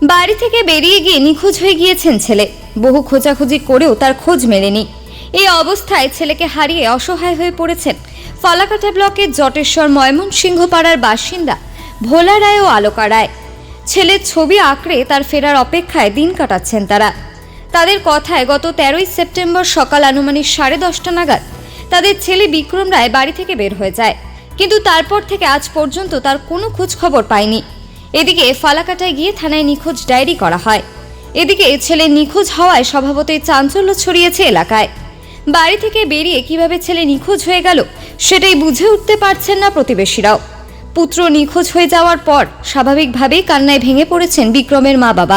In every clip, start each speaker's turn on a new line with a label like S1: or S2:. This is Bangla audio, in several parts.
S1: বাড়ি থেকে বেরিয়ে গিয়ে নিখোঁজ হয়ে গিয়েছেন ছেলে। বহু খোঁজাখুঁজি করেও তার খোঁজ মেলেনি। এই অবস্থায় ছেলেকে হারিয়ে অসহায় হয়ে পড়েছেন ফালাকাটা ব্লকের জটেশ্বর ময়মনসিংহ পাড়ার বাসিন্দা ভোলা রায় ও আলোকা রায়। ছেলের ছবি আঁকড়ে তার ফেরার অপেক্ষায় দিন কাটাচ্ছেন তারা। তাদের কথায় গত 13ই সেপ্টেম্বর সকাল আনুমানিক 10:30 নাগাদ তাদের ছেলে বিক্রম রায় বাড়ি থেকে বের হয়ে যায়, কিন্তু তারপর থেকে আজ পর্যন্ত তার কোনো খোঁজ খবর পায়নি। এদিকে ফালাকাটায় গিয়ে থানায় নিখোঁজ ডায়েরি করা হয়। এদিকে ছেলে নিখোঁজ হওয়ায় স্বভাবতই চাঞ্চল্য ছড়িয়েছে এলাকায়। বাড়ি থেকে বেরিয়ে কিভাবে ছেলে নিখোঁজ হয়ে গেল সেটাই বুঝে উঠতে পারছেন না প্রতিবেশীরাও। পুত্র নিখোঁজ হয়ে যাওয়ার পর স্বাভাবিকভাবেই কান্নায় ভেঙে পড়েছেন বিক্রমের মা বাবা।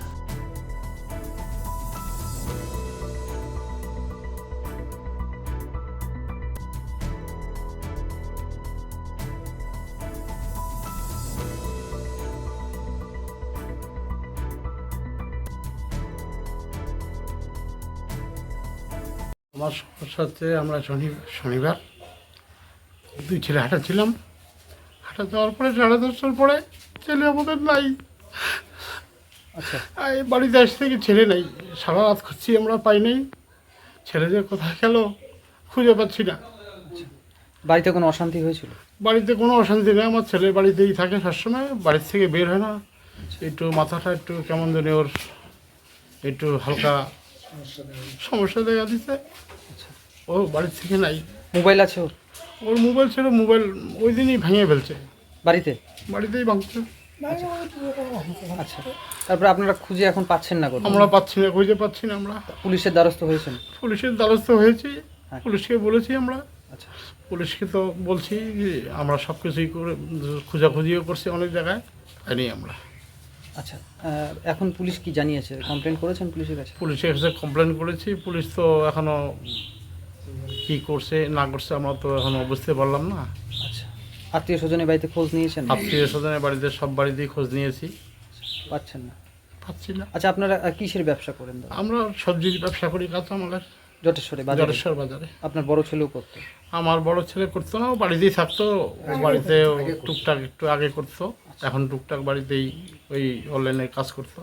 S2: আমার সমস্যা হচ্ছে, আমরা শনিবার দুই ছেলে হাঁটাচ্ছিলাম। হাঁটা যাওয়ার পরে 10:30টার পরে ছেলে আমাদের নাই।
S3: আচ্ছা,
S2: এই বাড়িতে আসতে থেকে ছেলে নাই। সারা রাত খুঁজছি, আমরা পাই নাই। ছেলে যে কোথায় গেল খুঁজে পাচ্ছি না।
S3: বাড়িতে কোনো অশান্তি হয়েছিল?
S2: বাড়িতে কোনো অশান্তি নেই, আমার ছেলে বাড়িতেই থাকে সবসময়, বাড়ির থেকে বের হয় না। একটু মাথাটা একটু কেমন জানি ওর একটু হালকা সমস্যা দেখা দিচ্ছে। ও বাড়ির থেকে নাই।
S3: মোবাইল আছে ওর?
S2: ওর মোবাইল ছিল, মোবাইল ওই দিনই ভেঙে ফেলছে,
S3: বাড়িতে?
S2: বাড়িতেই ভাঙছে।
S3: আচ্ছা, তারপরে আপনারা খুঁজে এখন পাচ্ছেন না কোথাও?
S2: আমরা পাচ্ছি না, খুঁজে পাচ্ছি না। আমরা
S3: পুলিশের দ্বারস্থ হয়েছেন?
S2: পুলিশের দ্বারস্থ হয়েছি,
S3: হ্যাঁ।
S2: পুলিশকে বলেছি আমরা।
S3: আচ্ছা,
S2: পুলিশকে তো বলছি যে আমরা সব কিছুই করে খোঁজাখুঁজিও করছি অনেক জায়গায়, পাইনি আমরা।
S3: আচ্ছা, এখন পুলিশ কি জানিয়েছে? কমপ্লেন করেছেন পুলিশের কাছে?
S2: পুলিশের কাছে কমপ্লেন করেছি, পুলিশ তো এখনও কী করছে না করছে আমরা তো এখনও বুঝতে পারলাম না।
S3: আচ্ছা, আত্মীয় স্বজনের বাড়িতে খোঁজ নিয়েছেন?
S2: আত্মীয় স্বজনের বাড়িতে সব বাড়িতেই খোঁজ নিয়েছি,
S3: পাচ্ছেন না?
S2: পাচ্ছি না।
S3: আচ্ছা, আপনারা কিসের ব্যবসা করেন দাদা?
S2: আমরা সবজির ব্যবসা করি, কাঁচামালের।
S3: জটেশ্বরে বাজারে?
S2: জটেশ্বর বাজারে।
S3: আপনার বড় ছেলেও করতো?
S2: আমার বড় ছেলে করতো না, ও বাড়িতেই থাকতো। ও বাড়িতে টুকটাক একটু আগে করতো, এখন টুকটাক বাড়িতেই ওই অনলাইনে কাজ করতো।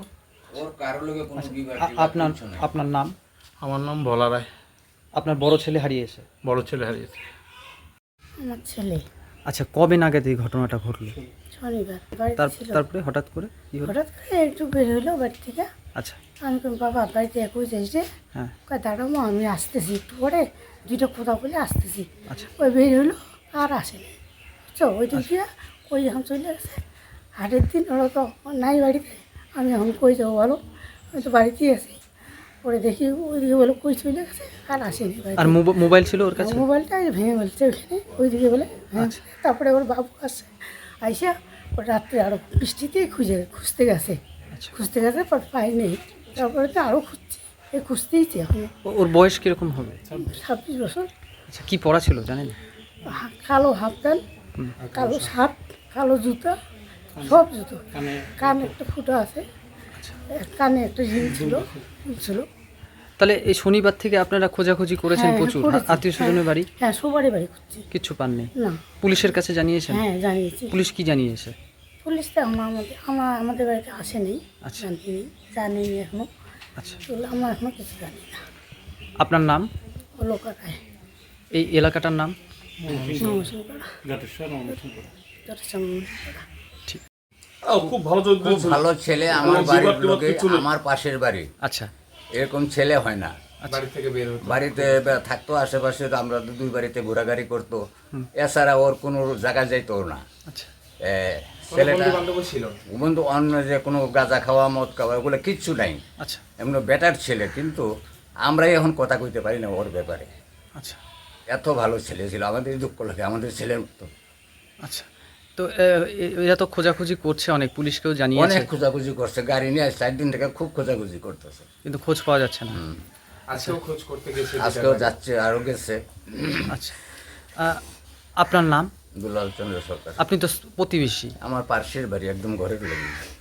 S3: আপনার আপনার নাম?
S2: আমার নাম ভোলা রায়।
S3: আপনার বড় ছেলে হারিয়েছে?
S2: বড় ছেলে হারিয়েছে।
S4: আমার ছেলে
S3: আচ্ছা, কবে নাগাদ এই ঘটনাটা ঘটলো?
S4: শনিবার বাড়িতে ছিল।
S3: তারপরে হঠাৎ করে কি হলো?
S4: হঠাৎ করে একটু বের হইলো বাড়ি থেকে।
S3: আচ্ছা,
S4: আমি কই বাবা বাড়িতে একই যাইছে,
S3: হ্যাঁ,
S4: কয় দাঁড়াবো আমি আসতেছি, একটু পরে দুইটা কথা বলে আসতেছি।
S3: আচ্ছা,
S4: ওই বের হইলো আর আসেনি, বুঝছো? ওই দিক দিয়ে ওই এখন চলে গেছে। হাটের দিন ওরা তো নাই বাড়িতে, আমি এখন কই যাবো বলো, আমি তো বাড়িতেই আছি। পরে দেখি ওইদিকে বলে কই চলে গেছে আর আসেনি বাড়িতে।
S3: আর মোবাইল ছিল ওর কাছে?
S4: মোবাইলটা ভেঙে ফেলছে ওইখানে, ওইদিকে বলে হ্যাঁ। তারপরে ওর বাবু আসছে, আইসা ওর রাত্রে আরও বৃষ্টিতেই খুঁজতে গেছে,
S3: আচ্ছা,
S4: খুঁজতে গেছে পর পাইনি। তারপরে তো আরও খুঁজছি, এই খুঁজতেইছি এখন।
S3: ওর বয়স কিরকম হবে?
S4: 26 বছর।
S3: আচ্ছা, কি পড়া ছিল জানেন?
S4: কালো হাফ প্যান্ট, কালো শার্ট, কালো জুতা, সব জুতো। কানে একটা ফুটো আছে, কানে একটা রিং ছিল।
S3: তাহলে এই শনিবার থেকে আপনারা খোঁজাখুঁজি করেছেন
S4: হ্যাঁ,
S3: প্রচুর?
S4: করেছি।
S3: আত্মীয় স্বজনের বাড়ি?
S4: হ্যাঁ, সবারই বাড়ি খুঁজছি,
S3: কিচ্ছু পাননি?
S4: না।
S3: পুলিশের কাছে জানিয়েছেন?
S4: হ্যাঁ, জানিয়েছি।
S3: পুলিশ কি জানিয়েছে?
S4: পুলিশ তো আমাদের বাড়িতে আসেনি,
S3: আচ্ছা,
S4: জানিনি এখনো।
S3: আচ্ছা,
S4: আমরা এখনো কিছু জানি না।
S3: আপনার নাম?
S4: আলোকা রায়।
S3: এই এলাকাটার নাম?
S5: খুব ভালো ছেলে, আমার বাড়ির লোকে, আমার পাশের বাড়ি।
S3: আচ্ছা,
S5: এরকম ছেলে হয় না। বাড়িতে থাকতো আশেপাশে, আমরা দুই বাড়িতে ঘোরাঘুরি করতো, এছাড়া ওর কোনো জায়গা যাইতো না।
S3: আচ্ছা,
S5: ছেলেটা বন্ধু অন্য যে কোনো গাঁজা খাওয়া মদ খাওয়া ওগুলো কিচ্ছু নাই,
S3: আচ্ছা,
S5: এমন বেটার ছেলে। কিন্তু আমরাই এখন কথা কইতে পারি না ওর ব্যাপারে।
S3: আচ্ছা,
S5: এত ভালো ছেলে ছিল, আমাদের দুঃখ লাগে, আমাদের ছেলের মতো।
S3: আচ্ছা। তো এরা তো খোঁজাখুঁজি করছে, অনেক পুলিশকেও জানিয়েছে?
S5: অনেক খোঁজাখুঁজি করছে, গাড়ি নিয়ে 4 দিন থেকে খুব খোঁজাখুঁজি করতেছে,
S3: কিন্তু খোঁজ পাওয়া যাচ্ছে না।
S5: আজকেও যাচ্ছে, আরও গেছে।
S3: আচ্ছা, আপনার নাম?
S5: দুলাল চন্দ্র সরকার।
S3: আপনি তো প্রতিবেশী?
S5: আমার পাশের বাড়ি, একদম ঘরের লাগে।